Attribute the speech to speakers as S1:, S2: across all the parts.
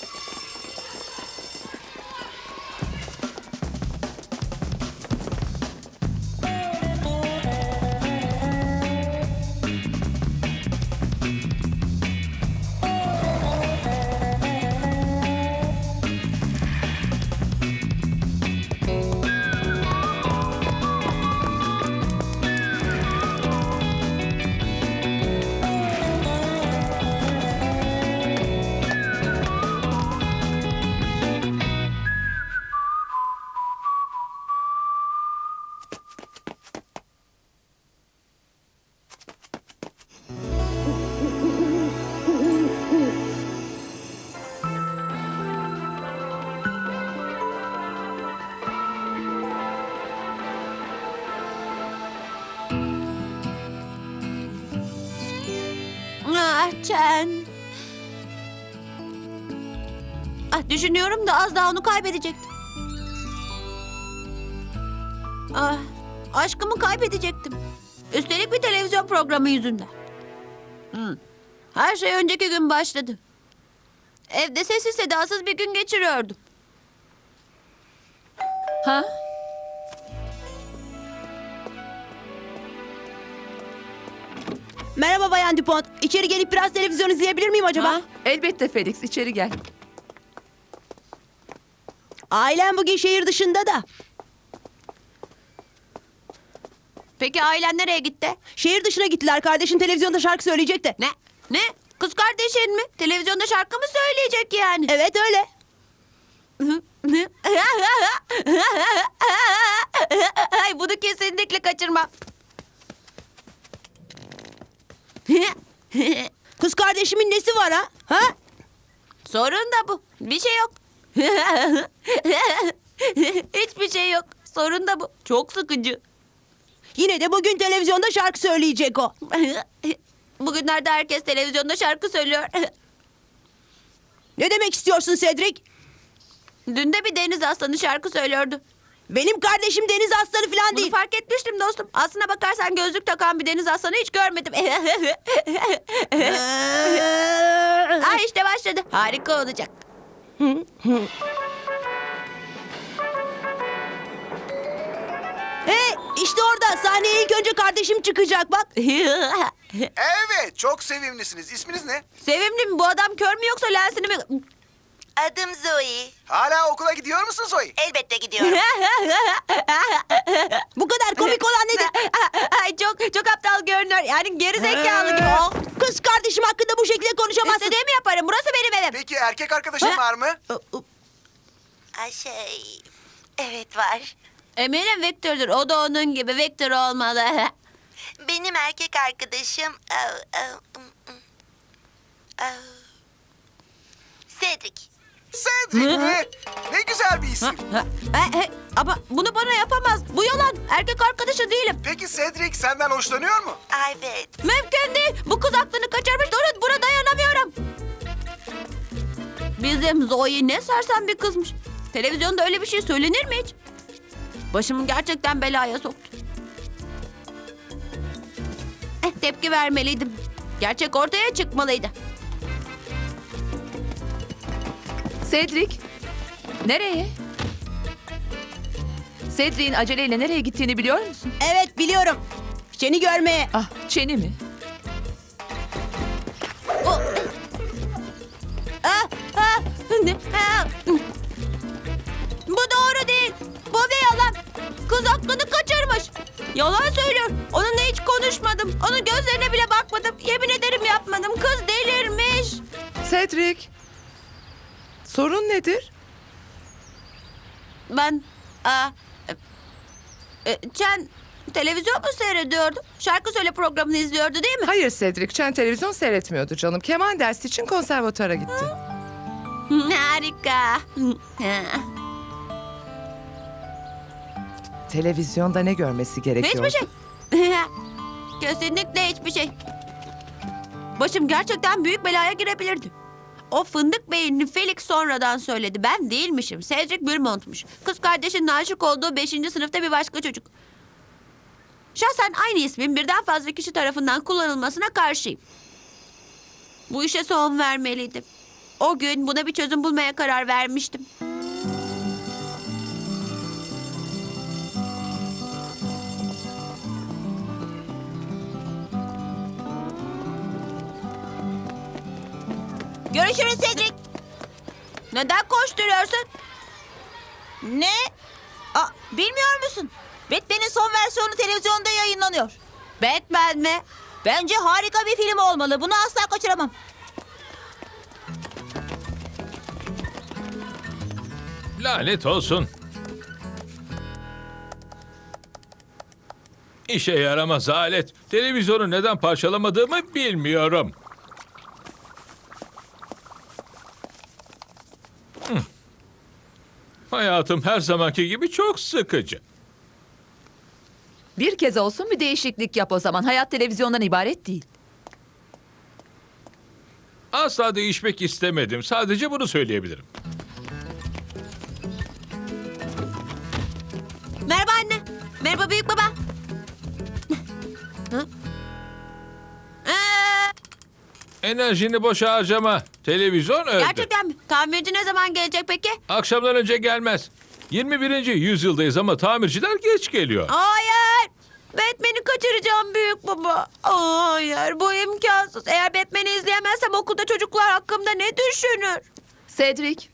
S1: Chen. Düşünüyorum da az daha onu kaybedecektim. Aşkımı kaybedecektim. Üstelik bir televizyon programı yüzünden. Her şey önceki gün başladı. Evde sessiz sedasız bir gün geçiriyordum.
S2: Ha?
S3: Merhaba Bayan Dupont. İçeri gelip biraz televizyon izleyebilir miyim acaba?
S2: Ha? Elbette Felix, içeri gel.
S3: Ailem bugün şehir dışında da.
S1: Peki ailen nereye gitti?
S3: Şehir dışına gittiler. Kardeşin televizyonda şarkı söyleyecek de.
S1: Ne? Ne? Kız kardeşin mi? Televizyonda şarkı mı söyleyecek yani?
S3: Evet öyle.
S1: Ay, bunu kesinlikle kaçırmam.
S3: Kız kardeşimin nesi var ha? Ha?
S1: Sorun da bu. Bir şey yok. Hiçbir şey yok. Sorun da bu. Çok sıkıcı.
S3: Yine de bugün televizyonda şarkı söyleyecek o.
S1: Bugünlerde herkes televizyonda şarkı söylüyor.
S3: Ne demek istiyorsun Cedric?
S1: Dün de bir deniz aslanı şarkı söylüyordu.
S3: Benim kardeşim deniz aslanı falan
S1: Bunu
S3: değil.
S1: fark etmiştim dostum. Aslına bakarsan gözlük takan bir deniz aslanı hiç görmedim. İşte başladı. Harika olacak.
S3: Hey, işte orada sahneye ilk önce kardeşim çıkacak bak.
S4: Evet, çok sevimlisiniz. İsminiz ne?
S1: Sevimli mi? Bu adam kör mü yoksa lensini mi?
S5: Adım Zoe.
S4: Hala okula gidiyor musun Zoe?
S5: Elbette gidiyorum.
S3: Bu kadar komik olan nedir?
S1: Ay, çok aptal görünüyor. Yani geri zekalı gibi. Oh.
S3: Kız kardeşim hakkında bu şekilde konuşamazsın.
S1: İstediğimi yaparım. Burası benim evim.
S4: Peki erkek arkadaşın var mı?
S5: Evet var.
S1: Eminim Victor'dur. O da onun gibi. Victor olmalı.
S5: Benim erkek arkadaşım... Cedric.
S4: Cedric mi? Ne güzel bir isim.
S1: Ama bunu bana yapamaz. Bu yalan. Erkek arkadaşı değilim.
S4: Peki Cedric senden hoşlanıyor mu?
S5: Evet.
S1: Mümkün değil. Bu kız aklını kaçırmış. Durun, buna dayanamıyorum. Bizim Zoe ne sersem bir kızmış. Televizyonda öyle bir şey söylenir mi hiç? Başımı gerçekten belaya soktu. Tepki vermeliydim. Gerçek ortaya çıkmalıydı.
S2: Cedric, nereye? Cedric'in aceleyle nereye gittiğini biliyor musun?
S3: Evet biliyorum. Seni görmeye.
S2: Ah, Çeni mi?
S1: Bu doğru değil. Bu bir yalan. Kız aklını kaçırmış. Yalan söylüyor. Onunla hiç konuşmadım. Onun gözlerine bile bakmadım. Yemin ederim yapmadım. Kız delirmiş.
S6: Cedric, sorun nedir?
S1: Ben... Chen televizyon mu seyrediyordu? Şarkı söyle programını izliyordu değil mi?
S6: Hayır Cedric, Chen televizyon seyretmiyordu canım. Keman dersi için konservatuara gitti.
S1: Harika.
S6: Televizyonda ne görmesi gerekiyordu?
S1: Hiçbir şey. Kesinlikle hiçbir şey. Başım gerçekten büyük belaya girebilirdi. O fındık beyinli Felix sonradan söyledi. Ben değilmişim. Cedric Beaumont'muş. Kız kardeşinin aşık olduğu 5. sınıfta bir başka çocuk. Şahsen aynı ismin birden fazla kişi tarafından kullanılmasına karşıyım. Bu işe son vermeliydim. O gün buna bir çözüm bulmaya karar vermiştim.
S3: Görüşürüz Cedric.
S1: Neden koşturuyorsun?
S3: Ne? Bilmiyor musun? Batman'in son versiyonu televizyonda yayınlanıyor.
S1: Batman mi?
S3: Bence harika bir film olmalı. Bunu asla kaçıramam.
S7: Lanet olsun. İşe yaramaz alet. Televizyonu neden parçalamadığımı bilmiyorum. Hayatım her zamanki gibi çok sıkıcı.
S2: Bir kez olsun bir değişiklik yap o zaman. Hayat televizyondan ibaret değil.
S7: Asla değişmek istemedim. Sadece bunu söyleyebilirim.
S1: Merhaba anne. Merhaba büyük baba. Hı?
S7: Enerjini boşa harcama. Televizyon öldü.
S1: Gerçekten mi? Tamirci ne zaman gelecek peki?
S7: Akşamdan önce gelmez. 21. yüzyıldayız ama tamirciler geç geliyor.
S1: Hayır. Batman'i kaçıracağım büyük baba. Hayır bu imkansız. Eğer Batman'i izleyemezsem okulda çocuklar hakkımda ne düşünür?
S2: Cedric,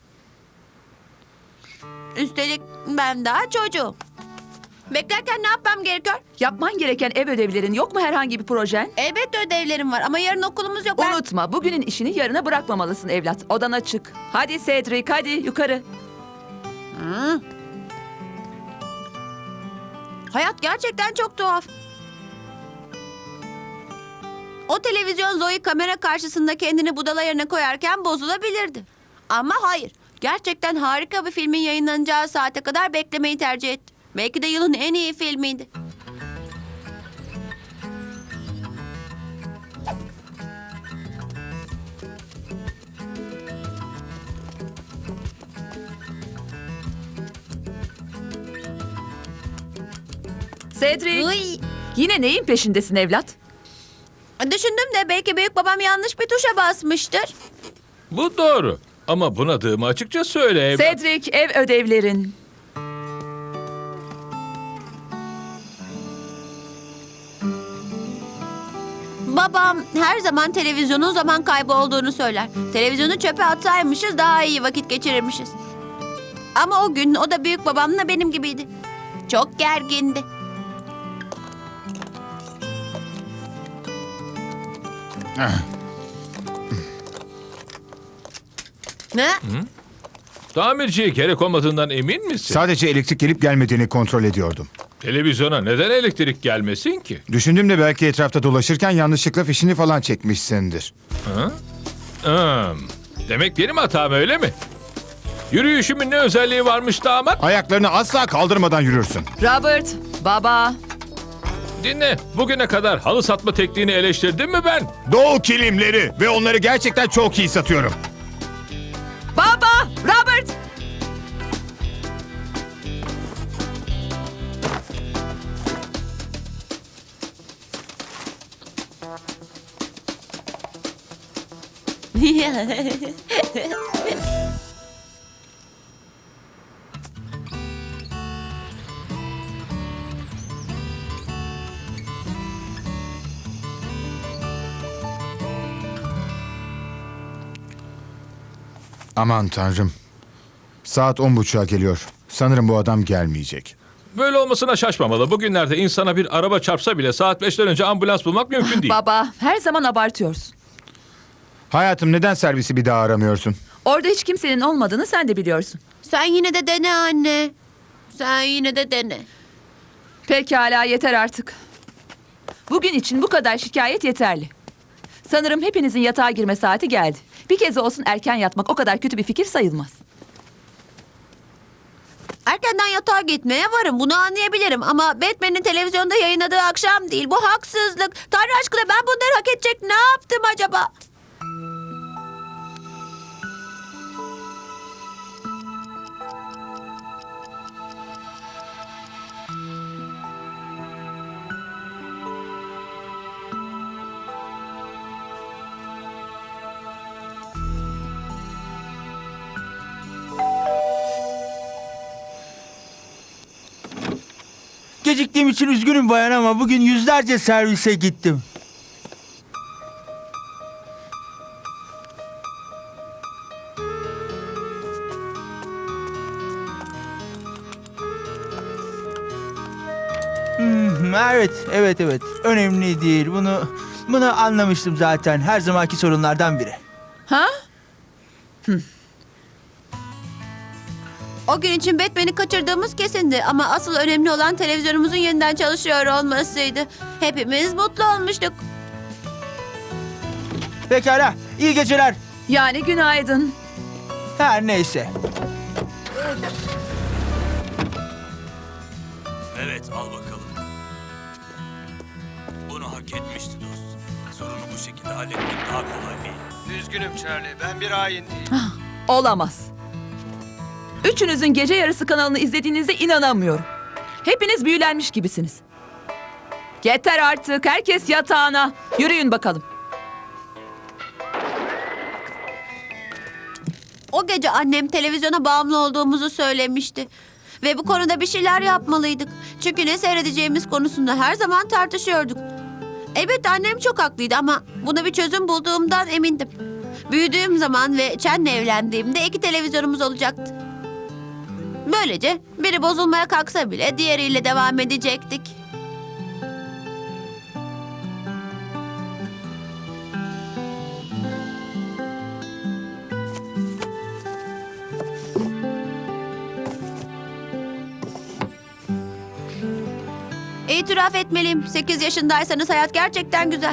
S1: Üstelik ben daha çocuğum. Beklerken ne yapmam gerekiyor?
S2: yapman gereken ev ödevlerin yok mu herhangi bir projen?
S1: Elbette ödevlerim var ama yarın okulumuz yok.
S2: Unutma, bugünün işini yarına bırakmamalısın evlat. Odana çık. Hadi Cedric, hadi yukarı.
S1: Hayat gerçekten çok tuhaf. O televizyon Zoe kamera karşısında kendini budala yerine koyarken bozulabilirdi. Ama hayır. Gerçekten harika bir filmin yayınlanacağı saate kadar beklemeyi tercih etti. Belki de yılın en iyi filmiydi.
S2: Cedric,
S1: Uy.
S2: yine neyin peşindesin evlat?
S1: Düşündüm de belki büyük babam yanlış bir tuşa basmıştır.
S7: Bu doğru. Ama bunadığımı açıkça söyle evlat.
S2: Cedric, ev ödevlerin.
S1: Babam her zaman televizyonun zaman kaybı olduğunu söyler. Televizyonu çöpe atsaymışız daha iyi vakit geçirirmişiz. Ama o gün o da büyük babamla benim gibiydi. Çok gergindi. Ne?
S7: Tamirciye gerek olmadığından emin misin?
S8: Sadece elektrik gelip gelmediğini kontrol ediyordum.
S7: Televizyona neden elektrik gelmesin ki?
S8: Düşündüm de belki etrafta dolaşırken yanlışlıkla fişini falan çekmişsindir.
S7: Demek benim hatam öyle mi? Yürüyüşümün ne özelliği varmış damat?
S8: Ayaklarını asla kaldırmadan yürürsün.
S2: Robert, baba.
S7: Dinle, bugüne kadar halı satma tekniğini eleştirdim mi ben?
S8: Doğu kilimleri ve onları gerçekten çok iyi satıyorum.
S2: Baba, Robert.
S8: Aman tanrım. Saat 10.30'a geliyor. Sanırım bu adam gelmeyecek.
S7: Böyle olmasına şaşmamalı. Bugünlerde insana bir araba çarpsa bile saat 5'ten önce ambulans bulmak mümkün değil.
S2: Baba, her zaman abartıyorsun.
S8: Hayatım, neden servisi bir daha aramıyorsun?
S2: Orada hiç kimsenin olmadığını sen de biliyorsun.
S1: Sen yine de dene anne. Sen yine de dene.
S2: Pekala, yeter artık. Bugün için bu kadar şikayet yeterli. Sanırım hepinizin yatağa girme saati geldi. Bir kez olsun erken yatmak o kadar kötü bir fikir sayılmaz.
S1: Erkenden yatağa gitmeye varım. Bunu anlayabilirim. Ama Batman'in televizyonda yayınladığı akşam değil. Bu haksızlık. Tanrı aşkına ben bunları hak edecek ne yaptım acaba?
S9: geciktiğim için üzgünüm bayan ama bugün yüzlerce servise gittim. Evet. Önemli değil. Bunu anlamıştım zaten. Her zamanki sorunlardan biri.
S2: Ha?
S1: O gün için Batman'i kaçırdığımız kesindi ama asıl önemli olan televizyonumuzun yeniden çalışıyor olmasıydı. Hepimiz mutlu olmuştuk.
S9: Pekala. İyi geceler.
S2: Yani günaydın.
S9: Her neyse.
S10: Evet, al bakalım. Bunu hak etmişti dost. Sorunu bu şekilde halletmek daha kolay değil.
S4: Üzgünüm Charlie, ben bir hain değilim.
S2: Olamaz. Üçünüzün gece yarısı kanalını izlediğinize inanamıyorum. Hepiniz büyülenmiş gibisiniz. Yeter artık. Herkes yatağına. Yürüyün bakalım.
S1: O gece annem televizyona bağımlı olduğumuzu söylemişti. Ve bu konuda bir şeyler yapmalıydık. Çünkü ne seyredeceğimiz konusunda her zaman tartışıyorduk. Evet annem çok haklıydı ama buna bir çözüm bulduğumdan emindim. Büyüdüğüm zaman ve Chen'le evlendiğimde 2 televizyonumuz olacaktı. Böylece biri bozulmaya kalksa bile diğeriyle devam edecektik. İtiraf etmeliyim. 8 yaşındaysanız hayat gerçekten güzel.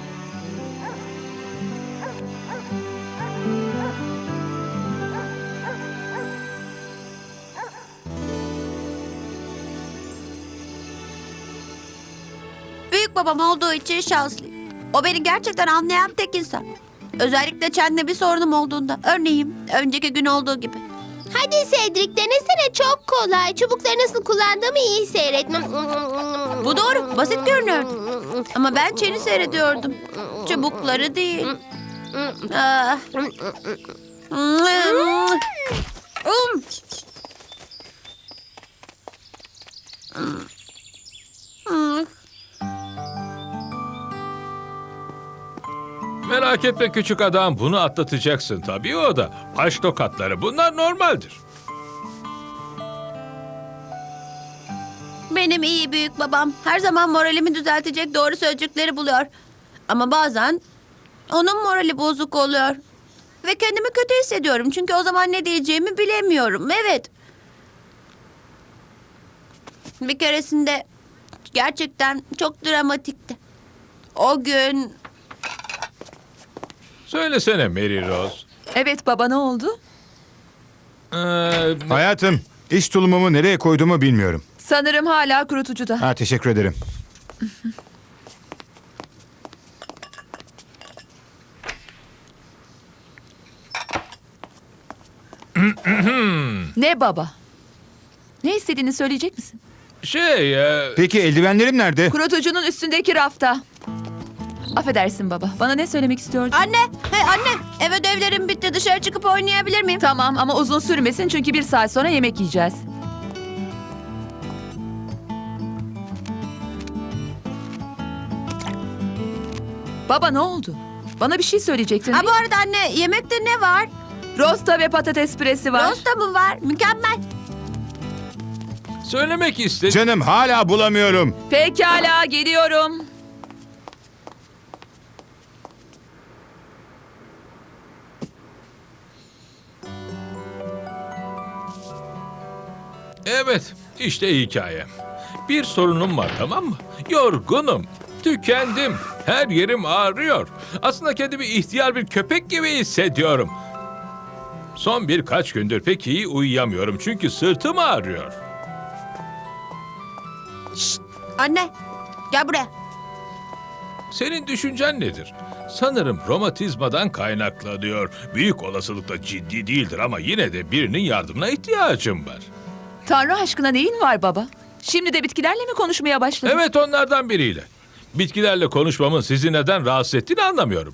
S1: Büyük babam olduğu için şanslıyım. O beni gerçekten anlayan tek insan. Özellikle Chen'le bir sorunum olduğunda. Örneğin önceki gün olduğu gibi.
S5: Hadi Cedric denesene, çok kolay. Çubukları nasıl kullandığımı iyi seyretmem.
S1: Bu doğru. Basit görünüyordu. Ama ben Chen'i seyrediyordum. Çubukları değil. Ah.
S7: Merak etme küçük adam, bunu atlatacaksın tabii o da. Baş tokatları, bunlar normaldir.
S1: Benim iyi büyük babam her zaman moralimi düzeltecek doğru sözcükleri buluyor. Ama bazen onun morali bozuk oluyor. Ve kendimi kötü hissediyorum çünkü o zaman ne diyeceğimi bilemiyorum. Evet. Bir keresinde gerçekten çok dramatikti. O gün
S7: Söylesene Mary Rose.
S2: Evet baba, ne oldu?
S8: Hayatım, iş tulumumu nereye koyduğumu bilmiyorum.
S2: Sanırım hala kurutucuda.
S8: Ha, teşekkür ederim.
S2: Ne baba? Ne istediğini söyleyecek misin?
S8: Peki eldivenlerim nerede?
S2: Kurutucunun üstündeki rafta. Affedersin baba. Bana ne söylemek istiyordun?
S1: anne, hey anne, ev ödevlerim bitti, dışarı çıkıp oynayabilir miyim?
S2: Tamam ama uzun sürmesin çünkü 1 saat sonra yemek yiyeceğiz. Baba ne oldu? Bana bir şey söyleyecektin
S1: Ha
S2: değil
S1: bu
S2: mi?
S1: arada anne, yemekte ne var?
S2: Rosta ve patates püresi var.
S1: Rosta mı var? Mükemmel.
S7: Söylemek istedim.
S8: Canım, hala bulamıyorum.
S2: Pekala, geliyorum.
S7: Evet, işte hikayem. Bir sorunum var, tamam mı? Yorgunum, tükendim, her yerim ağrıyor. Aslında kendimi ihtiyar bir köpek gibi hissediyorum. Son birkaç gündür pek iyi uyuyamıyorum çünkü sırtım ağrıyor.
S1: Anne, gel buraya.
S7: Senin düşüncen nedir? Sanırım romatizmadan kaynaklanıyor. Büyük olasılıkla ciddi değildir ama yine de birinin yardımına ihtiyacım var.
S2: Tanrı aşkına neyin var baba? Şimdi de bitkilerle mi konuşmaya başladın?
S7: Evet, onlardan biriyle. Bitkilerle konuşmamın sizi neden rahatsız ettiğini anlamıyorum.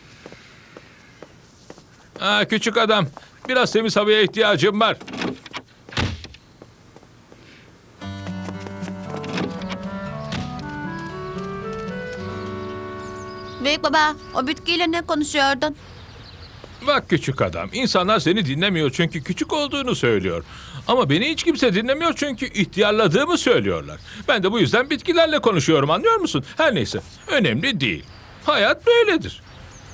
S7: Küçük adam, biraz temiz havaya ihtiyacım var.
S1: Büyük baba, o bitkiyle ne konuşuyordun?
S7: Bak küçük adam, insanlar seni dinlemiyor çünkü küçük olduğunu söylüyor. Ama beni hiç kimse dinlemiyor çünkü ihtiyarladığımı söylüyorlar. Ben de bu yüzden bitkilerle konuşuyorum, anlıyor musun? Her neyse, önemli değil. Hayat böyledir.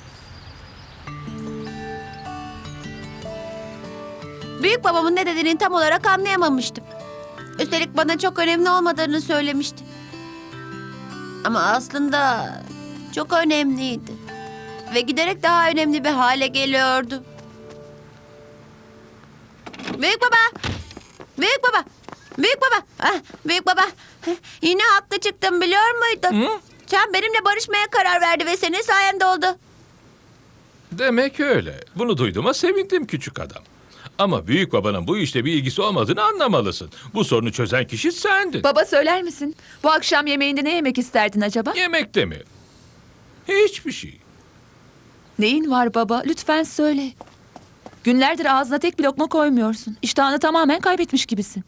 S1: Büyük babamın ne dediğini tam olarak anlayamamıştım. Üstelik bana çok önemli olmadığını söylemişti. Ama aslında çok önemliydi. Ve giderek daha önemli bir hale geliyordu. Büyük baba! Büyük baba! Büyük baba! Ah, büyük baba! Yine haklı çıktım, biliyor muydun?
S7: Hı?
S1: Sen benimle barışmaya karar verdi ve senin sayende oldu.
S7: Demek öyle. Bunu duyduğuma sevindim küçük adam. Ama büyük babanın bu işte bir ilgisi olmadığını anlamalısın. Bu sorunu çözen kişi sendin.
S2: Baba söyler misin? Bu akşam yemeğinde ne yemek isterdin acaba?
S7: Yemekte mi? Hiçbir şey.
S2: Neyin var baba? Lütfen söyle. Günlerdir ağzına tek bir lokma koymuyorsun. İştahını tamamen kaybetmiş gibisin.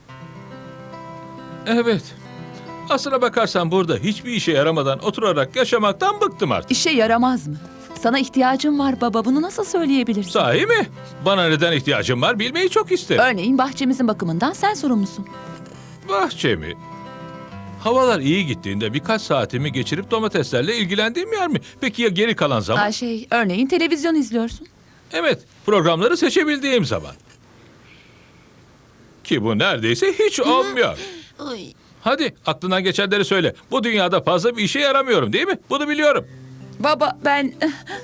S7: Evet. Aslına bakarsan burada hiçbir işe yaramadan oturarak yaşamaktan bıktım artık.
S2: İşe yaramaz mı? Sana ihtiyacım var baba. Bunu nasıl söyleyebilirsin?
S7: Sahi mi? Bana neden ihtiyacım var bilmeyi çok isterim.
S2: Örneğin bahçemizin bakımından sen sorumlusun.
S7: Bahçemi. Havalar iyi gittiğinde birkaç saatimi geçirip domateslerle ilgilendiğim yer mi? Peki ya geri kalan zaman?
S2: Örneğin televizyon izliyorsun.
S7: Evet, programları seçebildiğim zaman. Ki bu neredeyse hiç olmuyor.
S1: Ay.
S7: Hadi aklından geçenleri söyle. Bu dünyada fazla bir işe yaramıyorum değil mi? Bunu biliyorum.
S2: Baba ben...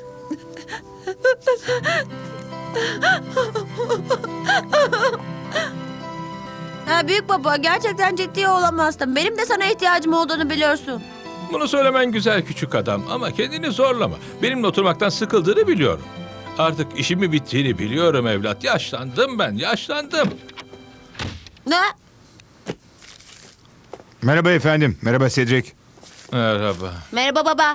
S1: Ha, büyük baba, gerçekten ciddi olamazsın. Benim de sana ihtiyacım olduğunu biliyorsun.
S7: Bunu söylemen güzel küçük adam ama kendini zorlama. Benimle oturmaktan sıkıldığını biliyorum. Artık işimi bittiğini biliyorum evlat. Yaşlandım ben, yaşlandım.
S1: Ne?
S8: Merhaba efendim. Merhaba Cedric.
S7: Merhaba.
S1: Merhaba baba.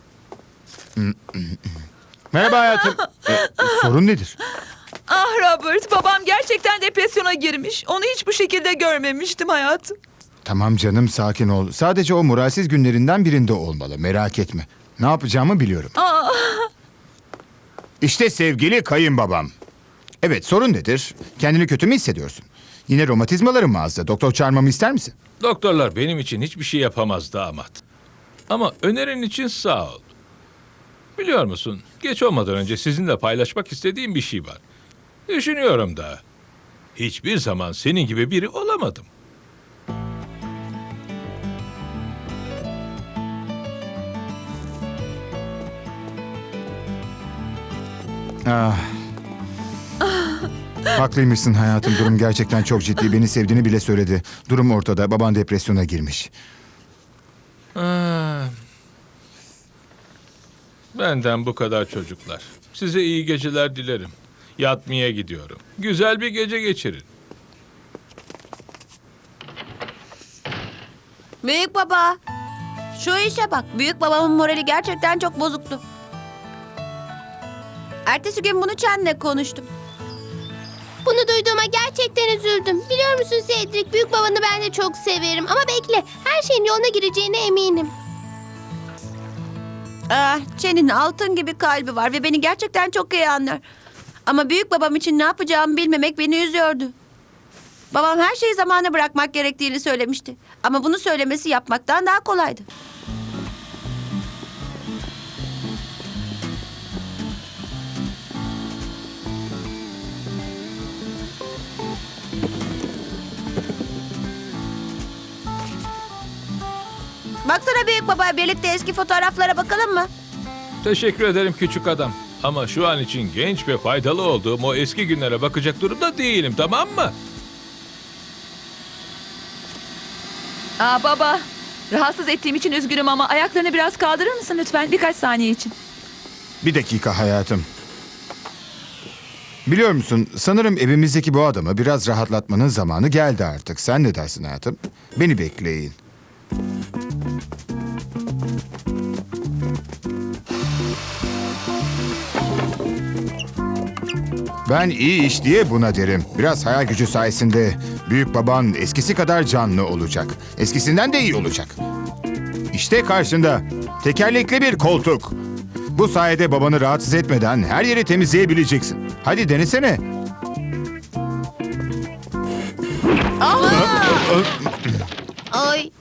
S8: Merhaba hayatım. Sorun nedir?
S2: Ah Robert, babam gerçekten depresyona girmiş. Onu hiç bu şekilde görmemiştim hayatım.
S8: Tamam canım, sakin ol. Sadece o moralsiz günlerinden birinde olmalı. Merak etme. Ne yapacağımı biliyorum.
S2: Ah,
S8: İşte sevgili kayınbabam. Evet, sorun nedir? Kendini kötü mü hissediyorsun? Yine romatizmaların mı azdı? Doktor çağırmamı ister misin?
S7: Doktorlar benim için hiçbir şey yapamaz damat. Ama önerin için sağ ol. Biliyor musun, geç olmadan önce sizinle paylaşmak istediğim bir şey var. Düşünüyorum da. Hiçbir zaman senin gibi biri olamadım.
S8: Ah. Haklıymışsın hayatım. Durum gerçekten çok ciddi. Beni sevdiğini bile söyledi. Durum ortada. Baban depresyona girmiş.
S7: Ah. Benden bu kadar çocuklar. Size iyi geceler dilerim. Yatmaya gidiyorum. Güzel bir gece geçirin.
S1: Büyük baba. Şu işe bak. Büyük babamın morali gerçekten çok bozuktu. Ertesi gün bunu Chen'le konuştum.
S5: Bunu duyduğuma gerçekten üzüldüm. Biliyor musun Cedric, büyük babanı ben de çok severim. Ama bekle, her şeyin yoluna gireceğine eminim.
S1: Ah, Chen'in altın gibi kalbi var ve beni gerçekten çok iyi anlar. Ama büyük babam için ne yapacağımı bilmemek beni üzüyordu. Babam her şeyi zamana bırakmak gerektiğini söylemişti. Ama bunu söylemesi yapmaktan daha kolaydı. Baksana büyük baba, birlikte eski fotoğraflara bakalım mı?
S7: Teşekkür ederim küçük adam. Ama şu an için genç ve faydalı olduğum o eski günlere bakacak durumda değilim, tamam mı?
S2: baba, rahatsız ettiğim için üzgünüm ama ayaklarını biraz kaldırır mısın lütfen birkaç saniye için?
S8: Bir dakika hayatım. Biliyor musun, sanırım evimizdeki bu adamı biraz rahatlatmanın zamanı geldi artık. Sen ne dersin hayatım? Beni bekleyin. Ben iyi iş diye buna derim. Biraz hayal gücü sayesinde büyük baban eskisi kadar canlı olacak. Eskisinden de iyi olacak. İşte karşında tekerlekli bir koltuk. Bu sayede babanı rahatsız etmeden her yeri temizleyebileceksin. Hadi denesene.
S1: Ay.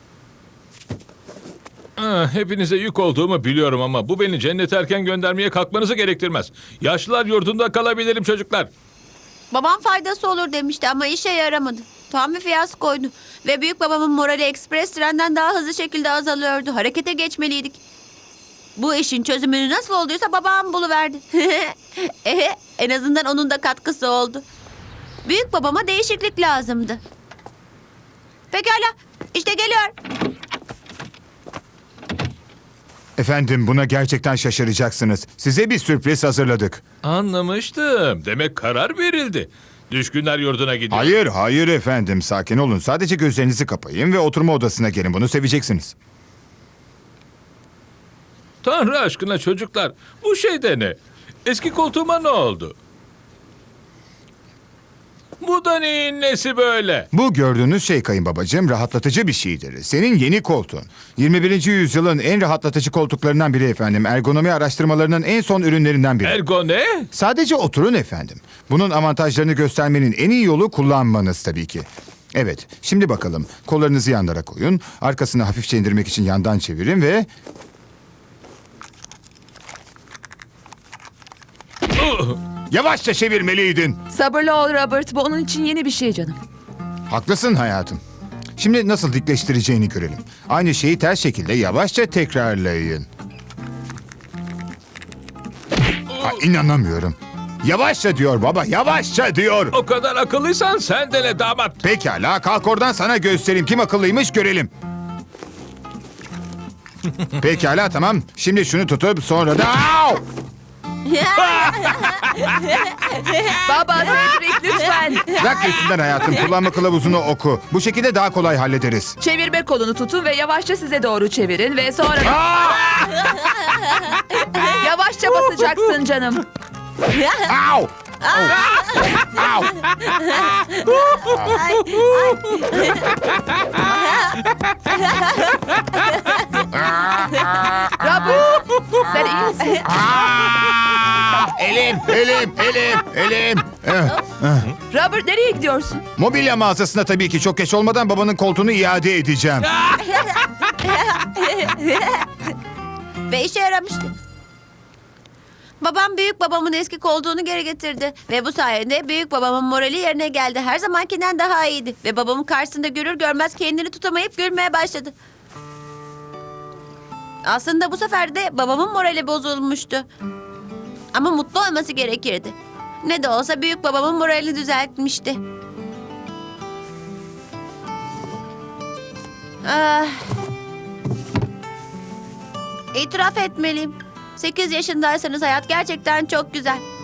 S7: Hepinize yük olduğumu biliyorum ama bu beni cennete erken göndermeye kalkmanızı gerektirmez. Yaşlılar yurdunda kalabilirim çocuklar.
S1: Babam faydası olur demişti ama işe yaramadı. Tam bir fiyaskoydu. Ve büyük babamın morali ekspres trenden daha hızlı şekilde azalıyordu. Harekete geçmeliydik. Bu işin çözümünü nasıl olduysa babam buluverdi. En azından onun da katkısı oldu. Büyük babama değişiklik lazımdı. Pekala, işte geliyor.
S8: Efendim buna gerçekten şaşıracaksınız. Size bir sürpriz hazırladık.
S7: Anlamıştım. Demek karar verildi. Düşkünler yurduna gidiyor.
S8: Hayır, hayır efendim. Sakin olun. Sadece gözlerinizi kapayın ve oturma odasına gelin. Bunu seveceksiniz.
S7: Tanrı aşkına çocuklar. Bu şey de ne? Eski koltuğuma ne oldu? Bu da neyin nesi böyle?
S8: Bu gördüğünüz şey kayınbabacığım rahatlatıcı bir şeydir. Senin yeni koltuğun. 21. yüzyılın en rahatlatıcı koltuklarından biri efendim. Ergonomi araştırmalarının en son ürünlerinden biri.
S7: Ergo ne?
S8: Sadece oturun efendim. Bunun avantajlarını göstermenin en iyi yolu kullanmanız tabii ki. Evet, şimdi bakalım. Kollarınızı yanlara koyun. Arkasını hafifçe indirmek için yandan çevirin ve... Yavaşça çevirmeliydin.
S2: Sabırlı ol Robert. Bu onun için yeni bir şey canım.
S8: Haklısın hayatım. Şimdi nasıl dikleştireceğini görelim. Aynı şeyi ters şekilde yavaşça tekrarlayın. İnanamıyorum. Yavaşça diyor baba, yavaşça diyor.
S7: O kadar akıllıysan sen de ne damat?
S8: Pekala, kalk oradan sana göstereyim. Kim akıllıymış görelim. Pekala, tamam. Şimdi şunu tutup sonra da... Au!
S2: Baba Cedric lütfen.
S8: Bırak üstünden hayatım. Kullanma kılavuzunu oku. Bu şekilde daha kolay hallederiz.
S2: Çevirme kolunu tutun ve yavaşça size doğru çevirin ve sonra... Yavaşça basacaksın canım.
S8: Au! Au!
S2: Robert sen iyi misin?
S8: Elim!
S2: Robert nereye gidiyorsun?
S8: Mobilya mağazasına tabii ki çok geç olmadan babanın koltuğunu iade edeceğim.
S1: Ve işe yaramıştı. Babam büyük babamın eski koltuğunu geri getirdi. Ve bu sayede büyük babamın morali yerine geldi. Her zamankinden daha iyiydi. Ve babamın karşısında görür görmez kendini tutamayıp gülmeye başladı. Aslında bu sefer de babamın morali bozulmuştu. Ama mutlu olması gerekirdi. Ne de olsa büyük babamın moralini düzeltmişti. Ah. İtiraf etmeliyim. 8 yaşındaysanız hayat gerçekten çok güzel.